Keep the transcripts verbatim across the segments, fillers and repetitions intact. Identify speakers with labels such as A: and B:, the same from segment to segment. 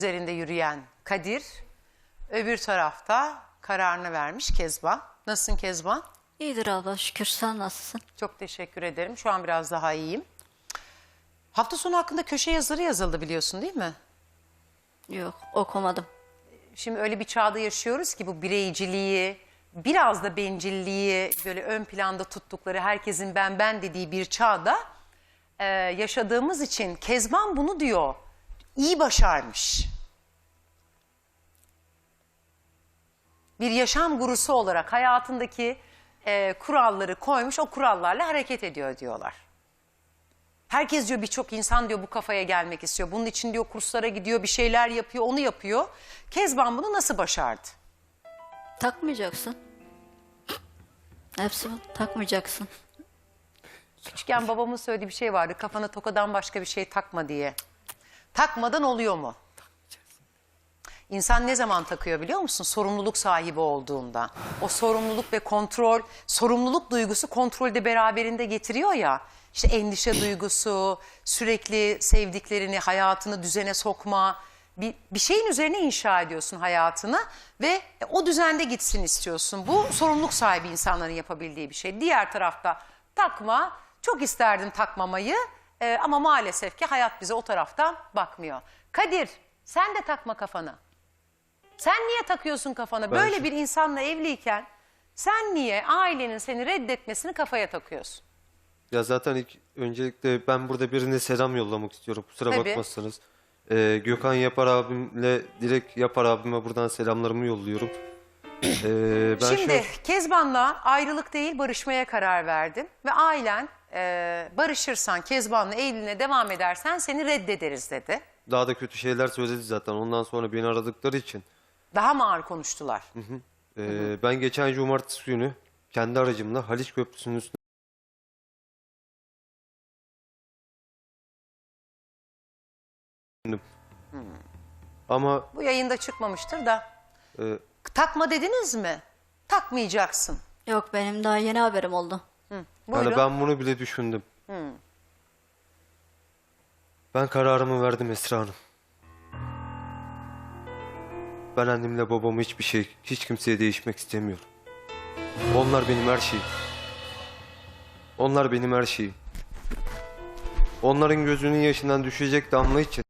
A: üzerinde yürüyen Kadir, öbür tarafta kararını vermiş Kezban. Nasılsın Kezban?
B: İyidir abla, şükür. Sen nasılsın?
A: Çok teşekkür ederim. Şu an biraz daha iyiyim. Hafta sonu hakkında köşe yazıları yazıldı biliyorsun değil mi?
B: Yok, okumadım.
A: Şimdi öyle bir çağda yaşıyoruz ki bu bireyciliği, biraz da bencilliği böyle ön planda tuttukları, herkesin ben ben dediği bir çağda e, yaşadığımız için Kezban bunu diyor, iyi başarmış. Bir yaşam gurusu olarak hayatındaki e, kuralları koymuş, o kurallarla hareket ediyor diyorlar. Herkes diyor, birçok insan diyor bu kafaya gelmek istiyor. Bunun için diyor kurslara gidiyor, bir şeyler yapıyor, onu yapıyor. Kezban bunu nasıl başardı?
B: Takmayacaksın. Hepsi bu. Takmayacaksın.
A: Küçükken babamın söylediği bir şey vardı. Kafana tokadan başka bir şey takma diye. Takmadan oluyor mu? İnsan ne zaman takıyor biliyor musun? Sorumluluk sahibi olduğunda. O sorumluluk ve kontrol, sorumluluk duygusu kontrolü de beraberinde getiriyor ya. İşte endişe duygusu, sürekli sevdiklerini, hayatını düzene sokma. Bir, bir şeyin üzerine inşa ediyorsun hayatını ve o düzende gitsin istiyorsun. Bu sorumluluk sahibi insanların yapabildiği bir şey. Diğer tarafta takma, çok isterdim takmamayı e, ama maalesef ki hayat bize o taraftan bakmıyor. Kadir, sen de takma kafana. Sen niye takıyorsun kafana?
C: Ben
A: Böyle
C: şu-
A: bir insanla evliyken sen niye ailenin seni reddetmesini kafaya takıyorsun?
C: Ya zaten ilk öncelikle ben burada birine selam yollamak istiyorum. Kusura
A: Tabii.
C: bakmazsanız. Ee, Gökhan Yapar abimle direkt Yapar abime buradan selamlarımı yolluyorum. Ee, ben
A: Şimdi
C: şu-
A: Kezban'la ayrılık değil barışmaya karar verdin. Ve ailen e, barışırsan Kezban'la evliliğine devam edersen seni reddederiz dedi.
C: daha da kötü şeyler söyledi zaten. Ondan sonra beni aradıkları için.
A: Daha mı ağır konuştular?
C: Ee, ben geçen cumartesi günü kendi aracımla Haliç Köprüsü'nün üstüne bindim. Ama
A: Bu yayında çıkmamıştır da.
C: e,
A: Takma dediniz mi? Takmayacaksın.
B: Yok, benim daha yeni haberim oldu.
A: Buyurun.
C: yani ben bunu bile düşündüm. Ben kararımı verdim Esra Hanım. Ben annemle babamı hiçbir şey, hiç kimseye değişmek istemiyorum. Onlar benim her şeyim. Onlar benim her şeyim. Onların gözünün yaşından düşecek damla için.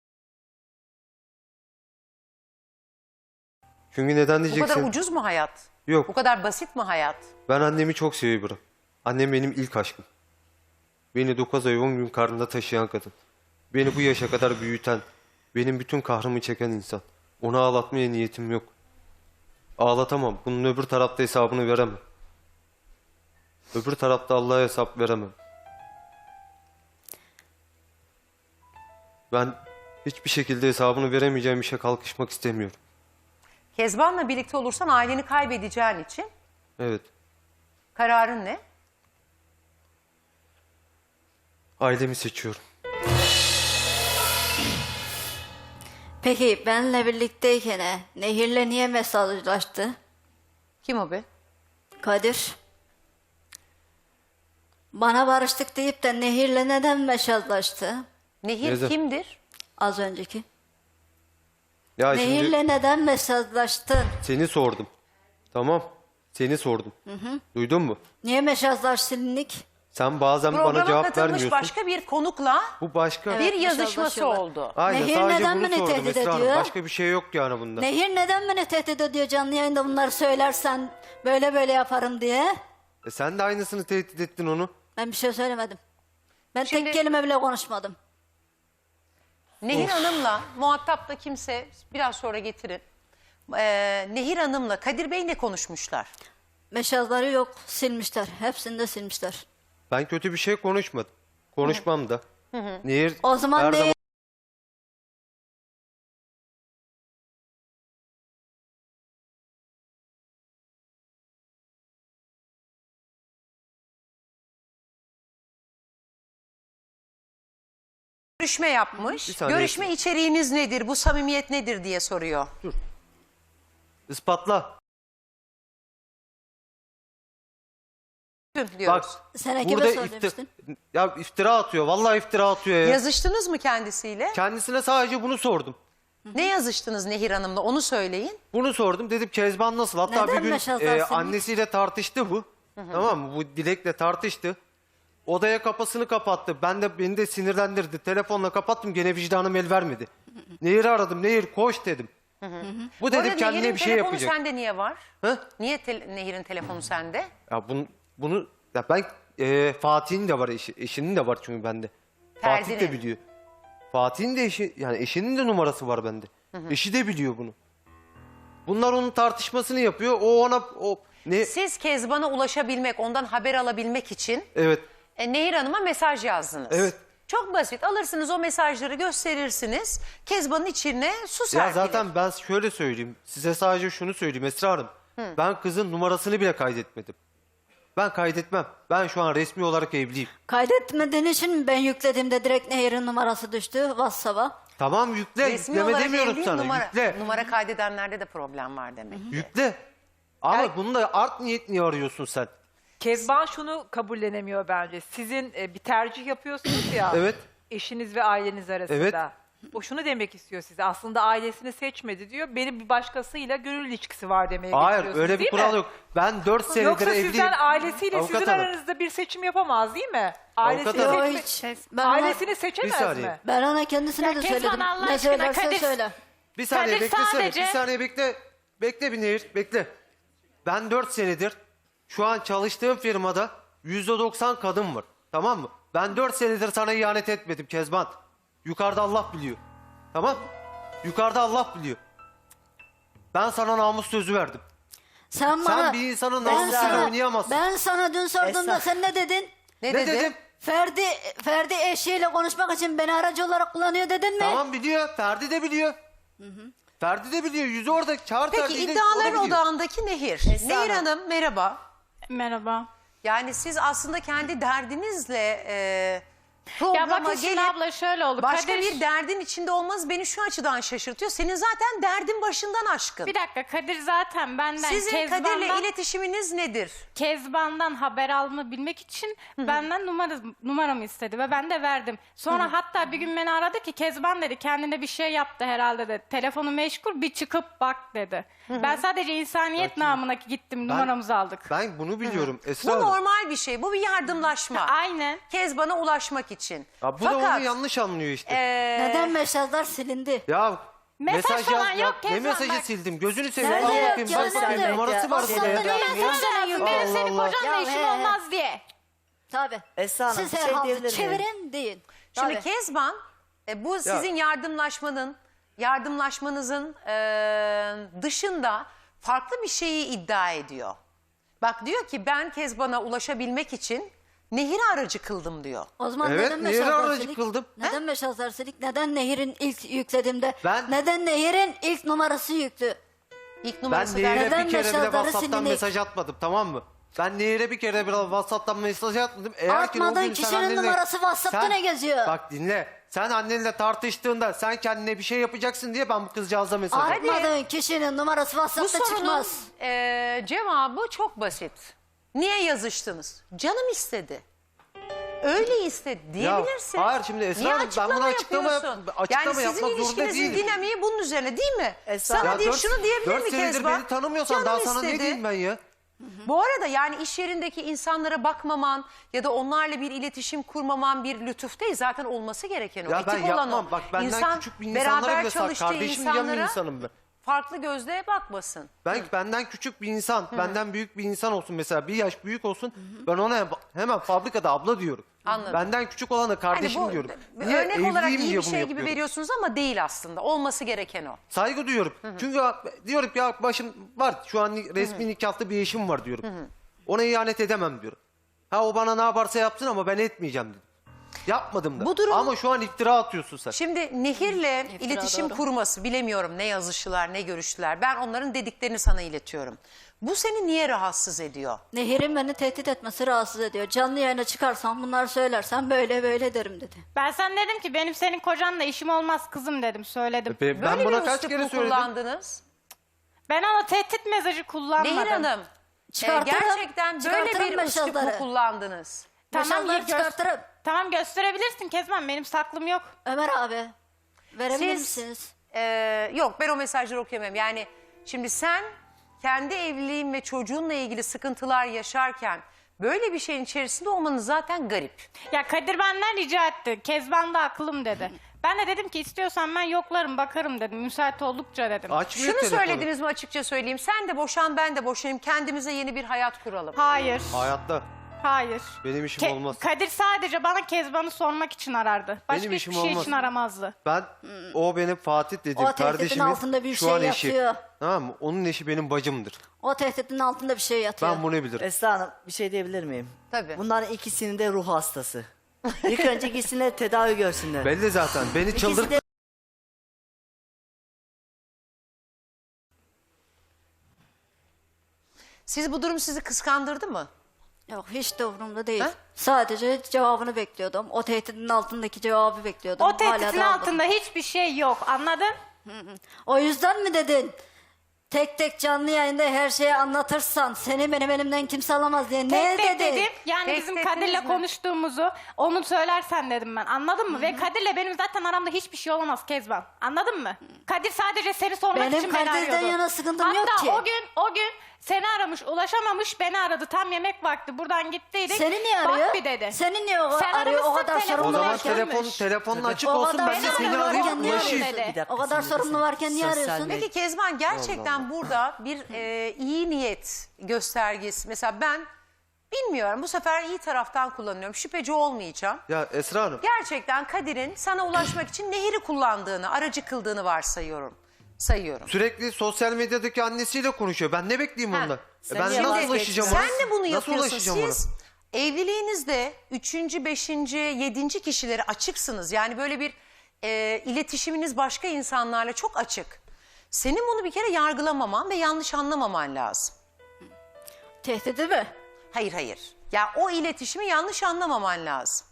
C: Çünkü neden
A: Bu
C: diyeceksin?
A: kadar ucuz mu hayat? Bu
C: Yok.
A: kadar basit mi hayat?
C: Ben annemi çok seviyorum. Annem benim ilk aşkım. Beni dokuz ay on gün karnında taşıyan kadın. Beni bu yaşa kadar büyüten, benim bütün kahrımı çeken insan. Onu ağlatmaya niyetim yok. Ağlatamam. Bunun öbür tarafta hesabını veremem. Öbür tarafta Allah'a hesap veremem. Ben hiçbir şekilde hesabını veremeyeceğim işe kalkışmak istemiyorum.
A: Kezban'la birlikte olursan aileni kaybedeceğin için
C: Evet.
A: kararın ne?
C: Ailemi seçiyorum.
B: Peki benimle birlikteyken he, Nehir'le niye mesajlaştı?
A: Kim o be?
B: Kadir. Bana barıştık deyip de Nehir'le neden mesajlaştı?
A: Nehir
C: Neden?
A: kimdir?
B: Az önceki.
C: Ya
B: Nehir'le
C: şimdi
B: neden mesajlaştın?
C: seni sordum. Tamam. Seni sordum. Duydun mu?
B: Niye mesajlaştın Nick?
C: Sen bazen bana
A: Programa
C: cevap
A: katılmış
C: vermiyorsun.
A: başka bir konukla
C: Bu başka.
A: bir
B: Evet,
A: yazışması
B: mesajlaşıyorlar.
A: oldu.
C: Aynen,
B: Nehir
C: sadece
B: neden
C: bunu
B: beni
C: sordum
B: tehdit
C: Esra Hanım.
B: ediyor?
C: Başka bir şey yok yani bunda.
B: Nehir neden beni tehdit ediyor canlı yayında bunları söylersen böyle böyle yaparım diye?
C: E sen de aynısını tehdit ettin onu.
B: Ben bir şey söylemedim. Ben
A: Şimdi-
B: tek kelime bile konuşmadım.
A: Nehir Hanım'la muhatap da kimse biraz sonra getirin. Ee, Nehir Hanım'la Kadir Bey ne konuşmuşlar?
B: Mesajları yok, silmişler. Hepsini de silmişler.
C: Ben kötü bir şey konuşmadım. Konuşmam da. Nehir
B: O zaman
C: her
B: ne?
C: zaman
A: Görüşme yapmış.
C: Bir saniye.
A: Görüşme içeriğiniz nedir? Bu samimiyet nedir diye soruyor.
C: ispatla.
A: Diyoruz.
C: Bak
B: Sen kime
C: burada
B: söylemiştin?
C: ifti- ya iftira atıyor. Vallahi iftira atıyor ya.
A: Yazıştınız mı kendisiyle?
C: Kendisine sadece bunu sordum.
A: Ne yazıştınız Nehir Hanım'la onu söyleyin.
C: Bunu sordum. Dedim Kezban nasıl? Hatta
B: Neden
C: bir gün
B: Meşaz
C: e,
B: Arsen'in?
C: annesiyle tartıştı bu. Tamam mı? Bu Dilek'le tartıştı. Odaya kapısını kapattı. Ben de beni de sinirlendirdi. Telefonla kapattım. Gene vicdanım el vermedi. Nehir'i aradım. Nehir koş dedim. Bu
A: Bu
C: dedim
A: arada
C: kendine
A: Nehir'in
C: bir şey
A: telefonu
C: yapacak.
A: sende niye var?
C: Hı?
A: Niye te- Nehir'in telefonu sende?
C: Ya bunu, bunu ya ben e, Fatih'in de var eşi, eşinin de var çünkü bende. Fatih de
A: Ferdi'nin.
C: biliyor. Fatih'in de eşi yani eşinin de numarası var bende. Eşi de biliyor bunu. Bunlar onun tartışmasını yapıyor. O ona o ne
A: Siz Kezban'a ulaşabilmek, ondan haber alabilmek için
C: evet.
A: e, Nehir Hanım'a mesaj yazdınız.
C: Evet.
A: Çok basit. Alırsınız o mesajları gösterirsiniz. Kezban'ın içine su
C: Ya
A: serpilir.
C: zaten ben şöyle söyleyeyim. Size sadece şunu söyleyeyim Esra Hanım. Ben kızın numarasını bile kaydetmedim. Ben kaydetmem. Ben şu an resmi olarak evliyim.
B: Kaydetmediğin için mi ben yüklediğimde direkt Nehir'in numarası düştü WhatsApp'a?
C: Tamam yükle.
A: Resmi
C: Yükleme
A: olarak
C: demiyorum
A: evliyim,
C: sana.
A: numara,
C: Yükle.
A: numara kaydedenlerde de problem var demek.
C: Yükle. Ama
A: Yani-
C: bunu da art niyet niye arıyorsun sen?
D: Kezban şunu kabullenemiyor bence. Sizin e, bir tercih yapıyorsunuz ya.
C: Evet.
D: Eşiniz ve aileniz arasında.
C: Evet.
D: O şunu demek istiyor size. Aslında ailesini seçmedi diyor. Benim bir başkasıyla gönül ilişkisi var demeye
C: Hayır
D: getiriyorsunuz,
C: öyle bir
D: değil
C: kural
D: mi?
C: yok. Ben dört senedir
D: Yoksa
C: evliyim.
D: sizden ailesiyle
C: Avukat
D: sizin
C: hanım.
D: aranızda bir seçim yapamaz değil mi?
C: Avukat
D: Ailesini,
C: hanım.
B: Yok
D: seçme-
B: hiç. Ben ona,
D: ailesini seçemez
C: saniye.
D: mi?
B: ben ona kendisine
E: Ya
B: de
E: Kezban,
B: söyledim.
E: Allah
B: Ne
E: aşkına
B: söylersen
E: Kadir-
B: söyle.
C: Bir saniye
E: Kadir
C: beklesene.
E: sadece-
C: Bir saniye bekle. Bekle bir Nehir. Bekle. Ben dört senedir şu an çalıştığım firmada yüzde doksan kadın var. Tamam mı? Ben dört senedir sana ihanet etmedim Kezban. Yukarıda Allah biliyor. Tamam mı? Yukarıda Allah biliyor. Ben sana namus sözü verdim.
B: Sen bana...
C: bir insanın
B: ben
C: namusuyla
B: sana-
C: oynayamazsın.
B: Ben sana dün sorduğumda
E: Esra.
B: sen ne dedin?
A: Ne,
C: Ne
A: dedi?
C: dedim?
B: Ferdi, Ferdi eşiyle konuşmak için beni aracı olarak kullanıyor dedin mi?
C: Tamam biliyor. Ferdi de biliyor. Ferdi de biliyor. Yüzü orada. Çağır
A: Peki
C: Ferdi'yi de, o da
A: iddiaların
C: biliyor.
A: odağındaki Nehir. Nehir Hanım merhaba.
E: Merhaba.
A: Yani siz aslında kendi derdinizle e,
E: Ya
A: programa
E: bakın şimdi
A: gelip
E: abla şöyle oldu.
A: başka
E: Kadir,
A: bir derdin içinde olmanız beni şu açıdan şaşırtıyor. Senin zaten derdin başından aşkın.
E: bir dakika Kadir zaten benden
A: Sizin Kadir'le
E: Kezban'dan,
A: iletişiminiz nedir?
E: Kezban'dan haber alabilmek için benden numara, numaramı istedi ve ben de verdim. Sonra hatta bir gün beni aradı ki Kezban dedi kendine bir şey yaptı herhalde dedi. Telefonu meşgul bir çıkıp bak dedi. Ben sadece insaniyet namına gittim numaramızı aldık.
C: Ben bunu biliyorum Esra
A: Bu
C: Hanım.
A: normal bir şey. Bu bir yardımlaşma.
E: Aynen.
A: Kezban'a ulaşmak için.
C: Ya bu da
A: Fakat
C: onu yanlış anlıyor işte.
A: e,
B: Neden mesajlar silindi?
C: Ya
E: Mesaj falan
C: yaz-
E: yok
C: ya, Ne
E: Kezban,
C: mesajı
E: bak.
C: sildim? Gözünü seveyim.
B: Nerede
C: Al
B: yok
C: bakayım.
B: ya,
C: Bak bakayım.
B: nerede?
C: Numarası var
B: WhatsApp'ta
C: burada ya.
B: niye mesaj
E: Benim
B: yazıyorsun?
E: senin
C: Allah.
E: kocanla
B: Ya
E: işim
B: he.
E: olmaz diye.
B: Tabii.
F: Esra Hanım,
B: Siz
F: bir
B: her
F: şey
B: halde
F: diyebilir miyim?
B: çevirin deyin.
A: Şimdi
B: Tabii.
A: Kezban e, bu sizin yardımlaşmanın yardımlaşmanızın e, dışında farklı bir şeyi iddia ediyor. Bak diyor ki ben Kezban'a ulaşabilmek için Nehir'i aracı kıldım diyor.
B: O zaman
C: Evet,
B: neden
C: Nehir'i
B: mesajlar
C: aracı
B: silik?
C: kıldım.
B: Neden mesajlar silik? Neden Nehir'in ilk yüklediğimde?
C: Ben-
B: Neden Nehir'in ilk numarası yüktü?
A: İlk
C: Ben
A: numarası
C: Nehir'e
A: derken
B: Neden
C: bir kere bile
B: mesajları
C: WhatsApp'tan
B: silindi?
C: mesaj atmadım tamam mı? Ben Nehir'e bir kere bile WhatsApp'tan mesaj atmadım. Eğer ki o
B: Atmadığın
C: gün sen
B: kişinin
C: annenle-
B: numarası WhatsApp'ta
C: Sen-
B: ne geziyor?
C: Bak dinle. Sen annenle tartıştığında sen kendine bir şey yapacaksın diye ben bu kızcağıza mesaj attım.
B: Atmadığın kişinin numarası
A: bu
B: WhatsApp'ta
A: sorunun
B: çıkmaz.
A: e, cevabı çok basit. Niye yazıştınız? Canım istedi. Öyle istedi diyebilirsin.
C: hayır şimdi Esra
A: Niye
C: Hanım, ben buna açıklama yap-
A: yapıyorsun?
C: açıklama
A: yani sizin
C: yapmak zorunda
A: ilişkinizin
C: değilim.
A: dinamiği bunun üzerine değil mi?
F: Esra-
A: Sana
C: Ya
A: diye
C: dört-
A: şunu diyebilir
C: dört
A: mi
C: senedir
A: Kezban?
C: beni tanımıyorsan
A: Canım
C: daha sana
A: istedi.
C: ne diyeyim ben ya?
A: Bu arada yani iş yerindeki insanlara bakmaman ya da onlarla bir iletişim kurmaman bir lütuf değil. Zaten olması gereken o.
C: Ya
A: Etik
C: ben
A: olan
C: yapmam.
A: o.
C: Bak benden
A: İnsan
C: küçük bir insanlara
A: beraber
C: bile sar.
A: çalıştığı
C: Kardeşim diyen bir
A: insanlara
C: insanım ben.
A: farklı gözle bakmasın.
C: Ben benden küçük bir insan, benden büyük bir insan olsun mesela bir yaş büyük olsun ben ona hem- hemen fabrikada abla diyorum.
A: Anladım.
C: Benden küçük olana kardeşim
A: Hani bu
C: diyorum.
A: bir
C: Niye?
A: örnek olarak
C: Evliyim
A: iyi
C: diye
A: bir
C: bunu
A: şey gibi
C: yapıyorum.
A: veriyorsunuz ama değil aslında. Olması gereken o.
C: Saygı duyuyorum. Çünkü ya- diyorum ki ya başım var şu an ni- resmi nikahlı bir eşim var diyorum. Ona ihanet edemem diyorum. Ha o bana ne yaparsa yapsın ama ben etmeyeceğim dedim. Yapmadım da.
A: Bu durum-
C: Ama şu an iftira atıyorsun sen.
A: Şimdi Nehir'le iletişim
B: doğru.
A: kurması bilemiyorum ne yazıştılar ne görüştüler. Ben onların dediklerini sana iletiyorum. Bu seni niye rahatsız ediyor?
B: Nehir'in beni tehdit etmesi rahatsız ediyor. Canlı yayına çıkarsam bunları söylersem böyle böyle derim dedi.
E: Ben sana dedim ki benim senin kocanla işim olmaz kızım dedim söyledim.
C: Be- ben
A: Böyle
C: buna
A: bir
C: kaç
A: üslup
C: kere
A: mu
C: söyledim.
A: kullandınız?
E: Ben ona tehdit mesajı kullanmadım.
A: Nehir Hanım e,
B: Çıkartırım,
A: gerçekten böyle
B: çıkartırım
A: bir üslup mu
B: mesajları.
A: kullandınız?
B: Mesajları
E: gö-
B: çıkartırım.
E: Tamam gösterebilirsin Kezban benim saklım yok.
B: Ömer abi verebilir
A: Siz
B: misiniz?
A: e, yok ben o mesajları okuyamam. Yani şimdi sen kendi evliliğin ve çocuğunla ilgili sıkıntılar yaşarken böyle bir şeyin içerisinde olmanın zaten garip.
E: Ya Kadir benden rica etti. Kezban da aklım dedi. Ben de dedim ki istiyorsan ben yoklarım bakarım dedim. Müsait oldukça dedim.
C: Açmıyor
A: Şunu
C: telefonu.
A: söylediniz mi açıkça söyleyeyim. Sen de boşan ben de boşanayım. Kendimize yeni bir hayat kuralım.
E: Hayır.
C: Hayatta
E: Hayır.
C: benim işim
E: Ke-
C: olmaz.
E: Kadir sadece bana Kezban'ı sormak için arardı. Başka
C: Benim
E: hiçbir
C: işim
E: şey
C: olmaz.
E: için aramazdı.
C: Ben o benim Fatih dediğim
B: O tehditin
C: kardeşimin
B: altında bir
C: şu
B: şey
C: an eşi.
B: yatıyor.
C: Tamam mı? Onun eşi benim bacımdır.
B: O tehditin altında bir şey yatıyor.
C: Ben bunu bilirim.
F: Esra Hanım bir şey diyebilir miyim?
A: Tabii.
F: Bunların ikisinin de ruh hastası. İlk önce gitsinler tedavi görsünler.
C: Belli zaten. Beni
F: İkisi
C: çıldır...
F: de
A: Siz bu durum sizi kıskandırdı mı?
B: Yok hiç de umurumda değil.
A: Ha?
B: Sadece cevabını bekliyordum. O tehditin altındaki cevabı bekliyordum.
E: O
B: Hala
E: tehditin
B: da almadım.
E: altında hiçbir şey yok. Anladın?
B: O yüzden mi dedin? Tek tek canlı yayında her şeyi anlatırsan seni benim elimden kimse alamaz diye. Ne
E: Tek tek
B: dedin?
E: dedim. Yani
A: Tek
E: bizim
A: tek
E: Kadir'le
A: dediniz mi?
E: konuştuğumuzu onu söylersen dedim ben. Anladın mı? Ve Kadir'le benim zaten aramda hiçbir şey olamaz Kezban. Anladın mı? Kadir sadece seni sormak
B: Benim
E: için beni
B: Kadir'den
E: arıyordu.
B: yana sıkıntım
E: Hatta
B: yok ki.
E: o gün o gün seni aramış, ulaşamamış, beni aradı. Tam yemek vakti buradan gittiydik.
B: Seni niye arıyor?
E: Bak bir dedi.
B: Seni niye o
E: Sen
B: arıyor? O
E: aramışsın,
B: kadar
E: telefonu
C: O
B: sorumlu
C: zaman
E: Bunlar
B: varken.
C: telefon,
E: gelmiş.
C: telefonun açık
B: O
C: olsun
B: kadar
C: ben de
B: sorumlu
C: seni
B: varken
C: arayayım
B: niye
C: ulaşayım.
B: arıyor?
E: dedi.
F: Bir dakika,
B: O kadar
F: sinirlisin.
B: sorumlu varken niye
F: Sosyal
B: arıyorsun?
F: medya-
A: Peki Kezban gerçekten burada bir e, iyi niyet göstergesi. Mesela ben bilmiyorum bu sefer iyi taraftan kullanıyorum. Şüpheci olmayacağım.
C: Ya Esra Hanım.
A: Gerçekten Kadir'in sana ulaşmak için nehri kullandığını, aracı kıldığını varsayıyorum. Sayıyorum.
C: Sürekli sosyal medyadaki annesiyle konuşuyor. Ben ne bekleyeyim
A: Ha.
C: ondan? E
F: Sen
C: ben
F: niye
C: nasıl
F: vazgeçtin?
C: ulaşacağım ona?
A: Sen de bunu
C: Nasıl
A: yapıyorsun.
C: ulaşacağım
A: Siz
C: ona?
A: evliliğinizde üçüncü, beşinci, yedinci kişilere açıksınız. Yani böyle bir e, iletişiminiz başka insanlarla çok açık. Senin bunu bir kere yargılamaman ve yanlış anlamaman lazım.
B: Tehdidi mi?
A: Hayır hayır. Ya o iletişimi yanlış anlamaman lazım.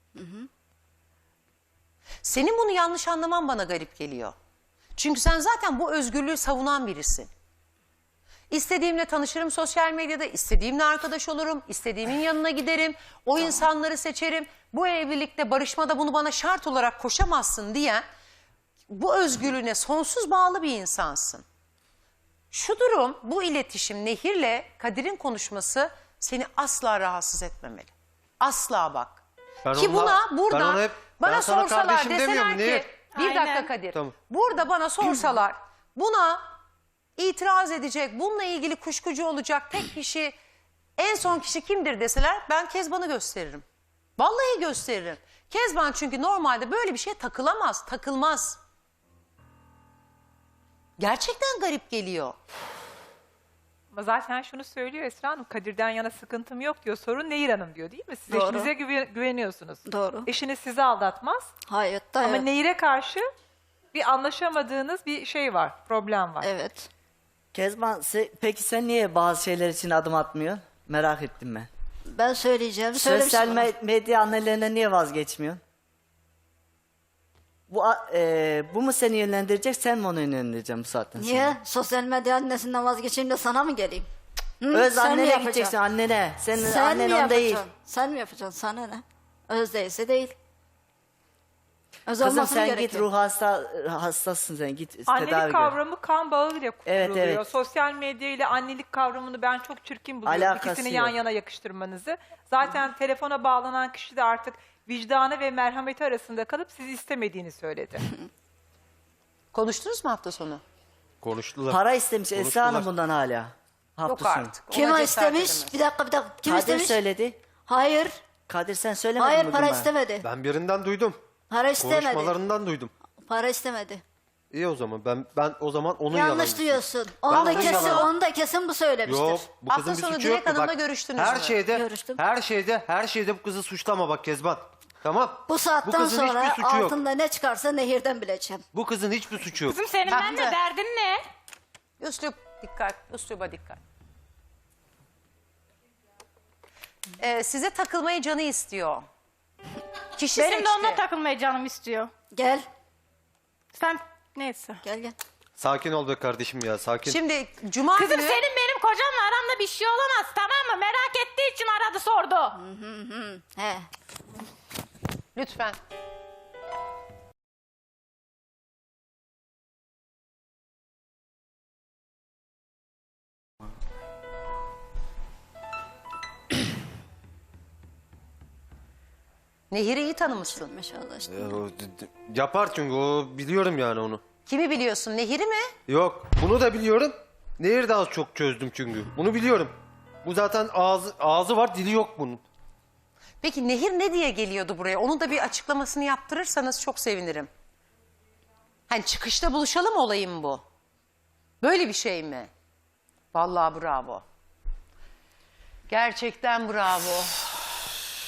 A: Senin bunu yanlış anlaman bana garip geliyor. Çünkü sen zaten bu özgürlüğü savunan birisin. İstediğimle tanışırım sosyal medyada, istediğimle arkadaş olurum, istediğimin yanına giderim, o insanları seçerim. Bu evlilikte, barışmada bunu bana şart olarak koşamazsın diyen bu özgürlüğüne sonsuz bağlı bir insansın. Şu durum, bu iletişim Nehir'le Kadir'in konuşması seni asla rahatsız etmemeli. Asla bak.
C: Ben
A: Ki
C: onunla-
A: buna
C: ben
A: burada
C: ona hep-
A: bana
C: ben sana
A: sorsalar
C: kardeşim
A: deseler
C: demiyorum,
A: ki
C: Nehir.
A: bir
E: Aynen.
A: dakika Kadir.
C: Tamam.
A: Burada bana sorsalar buna itiraz edecek, bununla ilgili kuşkucu olacak tek kişi, en son kişi kimdir deseler ben Kezban'ı gösteririm. Vallahi gösteririm. Kezban çünkü normalde böyle bir şeye takılamaz, takılmaz. Gerçekten garip geliyor.
D: Ama zaten şunu söylüyor Esra Hanım, Kadir'den yana sıkıntım yok diyor. Sorun Nehir Hanım diyor değil mi? Siz
B: Doğru.
D: eşinize güve- güveniyorsunuz.
B: Doğru.
D: Eşiniz sizi aldatmaz.
B: Hayatta
D: Ama
B: evet.
D: Nehir'e karşı bir anlaşamadığınız bir şey var, problem var.
B: Evet.
F: Kezban se- peki sen niye bazı şeyler için adım atmıyorsun? Merak ettim ben.
B: Ben söyleyeceğim. Söylemiştim
F: Sosyal
B: ona.
F: me- medya annelerinden niye vazgeçmiyorsun? Bu a- e, bu mu seni yönlendirecek, sen mi onu yönlendireceksin bu saatten sonra?
B: Niye? Sosyal medya annesinden vazgeçeyim de sana mı geleyim? Hı?
F: Öz
B: Sen mi
F: annene
B: yapacaksın?
F: gideceksin, annene. Senin
B: Sen
F: annen
B: mi
F: on
B: yapacaksın?
F: değil.
B: Sen mi yapacaksın? Sana ne? Öz değilse değil. Öz
F: Kızım
B: olması
F: sen
B: gerekiyor.
F: git ruh hasta hastasın sen git tedavi
D: Annelik
F: gör.
D: kavramı kan bağıyla kuruluyor.
F: Evet, evet.
D: Sosyal medya ile annelik kavramını ben çok çirkin buluyorum.
F: Alakası
D: İkisini
F: yok.
D: yan yana yakıştırmanızı. Zaten telefona bağlanan kişi de artık vicdanı ve merhameti arasında kalıp sizi istemediğini söyledi.
A: Konuştunuz mu hafta sonu?
C: Konuştular.
F: Para istemiş Esra
C: Konuştular.
F: Hanım bundan hala. Hafta
A: Yok
F: sonu.
A: artık. Ona
B: Kim o
A: cesaret
B: istemiş?
A: edemez.
B: Bir dakika bir dakika. Kim
F: Kadir
B: istemiş?
F: söyledi.
B: Hayır.
F: Kadir sen söylemedin
B: Hayır
F: mi
B: para
F: bana?
B: istemedi.
C: Ben birinden duydum.
B: Para istemedi.
C: Konuşmalarından duydum.
B: Para istemedi.
C: İyi o zaman. Ben ben o zaman onun
B: Yanlış
C: yalancısıyım.
B: duyuyorsun.
C: Ben
B: Onu da
C: onun
B: kesin,
C: yalanı-
B: onu da kesin bu söylemiştir.
C: Yok, bu
A: Hafta
C: kızın bir
A: sonu
C: suçu
A: Dilek
C: yok ki.
A: Hanım'la
C: Bak,
A: görüştünüz
C: her
A: mü?
C: şeyde,
B: Görüştüm.
C: her şeyde, her şeyde bu kızı suçlama bak Kezban. Tamam?
B: Bu saatten
C: kızın
B: sonra
C: hiçbir suçu yok.
B: altında ne çıkarsa Nehir'den bileceğim.
C: Bu kızın hiçbir suçu yok.
E: Kızım senin
A: Ben
E: benimle
A: de-
E: derdin ne?
A: Üslup dikkat, üsluba dikkat. Ee, size takılmayı canı istiyor. Kişi
E: Benim
A: seçti.
E: de onunla takılmayı canım istiyor.
B: Gel.
E: Sen neyse.
B: Gel gel.
C: Sakin ol be kardeşim ya, sakin.
A: Şimdi cuma
E: Kızım
A: günü...
E: senin benim kocamla aramda bir şey olamaz tamam mı? Merak ettiği için aradı sordu.
B: He.
A: Lütfen. Nehir'i iyi tanımışsın.
B: Maşallah işte.
C: Ya o d- d- yapar çünkü o biliyorum yani onu.
A: Kimi biliyorsun? Nehir'i mi?
C: Yok bunu da biliyorum. Nehir de az çok çözdüm çünkü. Bunu biliyorum. Bu zaten ağzı, ağzı var dili yok bunun.
A: Peki Nehir ne diye geliyordu buraya? Onun da bir açıklamasını yaptırırsanız çok sevinirim. Hani çıkışta buluşalım olayım bu. Böyle bir şey mi? Vallahi bravo. Gerçekten bravo.